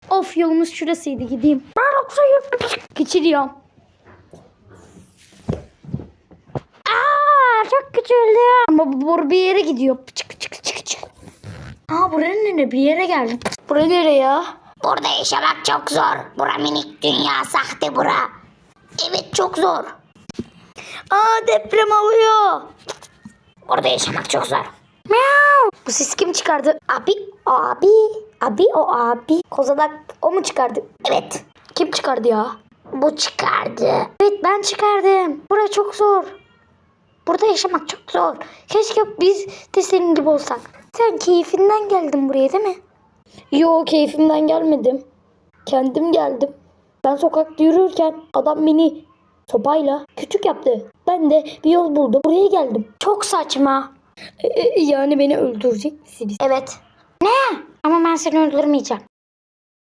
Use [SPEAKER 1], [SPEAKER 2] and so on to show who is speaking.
[SPEAKER 1] Of, yolumuz şurasıydı, gideyim. Geçiriyorum. Çok küçüldü. Ama bu boru bir yere gidiyor. Çık çık çık çık. Buranın ne? Bir yere geldim. Bura nere ya?
[SPEAKER 2] Burada yaşamak çok zor. Bura minik dünya, sahte bura. Evet, çok zor.
[SPEAKER 1] Deprem oluyor.
[SPEAKER 2] Burada yaşamak çok zor.
[SPEAKER 1] Bu ses kim çıkardı? Abi. Kozalak o mu çıkardı?
[SPEAKER 2] Evet,
[SPEAKER 1] Kim çıkardı ya?
[SPEAKER 2] bu çıkardı.
[SPEAKER 1] Evet, ben çıkardım. Burası çok zor. Burada yaşamak çok zor. Keşke biz de senin gibi olsak. Sen keyfinden geldin buraya değil mi? Yo, keyfimden gelmedim. Kendim geldim. Ben sokakta yürürken adam beni sopayla küçük yaptı. Ben de bir yol buldum. Buraya geldim. Çok saçma. Yani beni öldürecek misiniz?
[SPEAKER 2] Evet.
[SPEAKER 1] Ama ben seni öldürmeyeceğim.